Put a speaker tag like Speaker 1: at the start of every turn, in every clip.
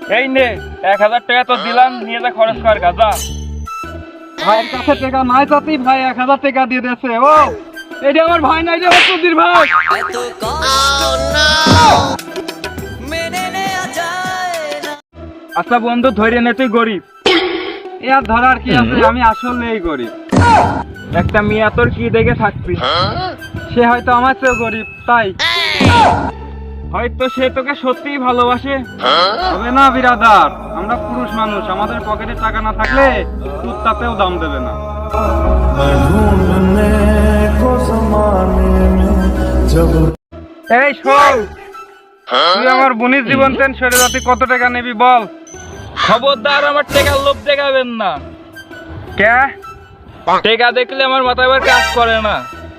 Speaker 1: এই নে 1000 টাকা তো দিলাম, নিয়ে যা খরচ কর গাজা।
Speaker 2: ভাইয়ের কাছে টাকা নাই তাতেই ভাই 1000 টাকা দিয়ে দিয়েছে। ও এটা আমার ভাই নাই রে সুধীর ভাই।
Speaker 1: আচ্ছা বন্ধু ধরে নে, তুই গরিব।
Speaker 2: এ আর ধরার কি আছে, আমি আসলেই গরিব।
Speaker 1: একটা মিয়া তোর কি দেখে থাকবি,
Speaker 2: সে হয়তো আমার চেয়েও গরিব, তাই
Speaker 1: হয়তো সে তোকে সত্যিই ভালোবাসে।
Speaker 2: হবে না বিরাদার, আমরা পুরুষ মানুষ, আমাদের পকেটে টাকা না থাকলে কুত্তাতেও দাম দেবে না। এই শোন, তুই আমার বোনের জীবন তেন সরে যাতে কত টাকা নিবি বল।
Speaker 1: খবরদার আমার টাকার লোভ দেখাবেন না।
Speaker 2: কে?
Speaker 1: টাকা দেখলে আমার মাথায় আবার কাজ করে না।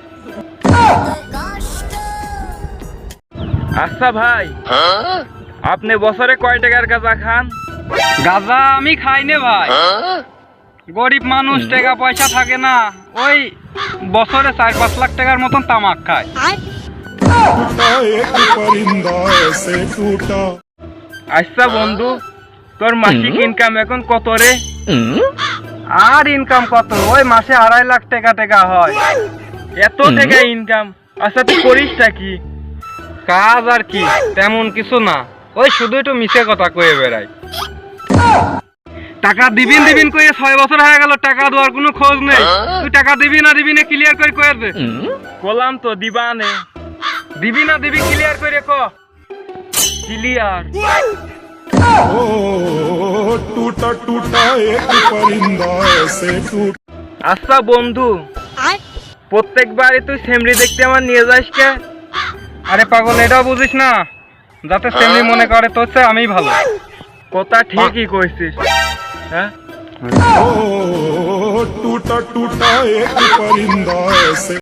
Speaker 1: আচ্ছা ভাই, আপনি বছরে কয় টাকার গাঁজা খান?
Speaker 2: গাঁজা আমি খাই নে ভাই, গরিব মানুষ, টাকা পয়সা থাকে না, ওই বছরে 4-5 লাখ টাকার মতন তামাক খায়।
Speaker 1: আচ্ছা বন্ধু, তোর মাসিক ইনকাম এখন কত রে?
Speaker 2: আর ইনকাম কত, ওই মাসে 2.5 লাখ টাকা হয়।
Speaker 1: এত টাকা ইনকাম? আচ্ছা তুই করিসটা কি?
Speaker 2: কাজ আর কি, তেমন কিছু না, ওই শুধু একটু মিছে কথা কয়ে বেড়াই। টাকা দিবিন দিবিন কয়ে 6 বছর হয়ে গেল, টাকা দেওয়ার কোনো খোঁজ নেই। তুই টাকা দিবি না দিবি না ক্লিয়ার করে কয়ে দে।
Speaker 1: বললাম তো দিবা নে।
Speaker 2: দিবি না দিবি ক্লিয়ার করে ক।
Speaker 1: ক্লিয়ার।
Speaker 3: टूटा टूटा एक परिंदा ऐसे टूट।
Speaker 1: আচ্ছা বন্ধু, প্রত্যেকবারই তুই সেমরি দেখতে আমার নিয়ে যাস কে?
Speaker 2: আরে পাগল, এটাও বুঝিস না, যাতে সেমনি মনে করে তোর চেয়ে আমি ভালো।
Speaker 1: কথা ঠিকই কইছিস। হ্যাঁ,
Speaker 3: टूटा टूटा एक परिंदा ऐसे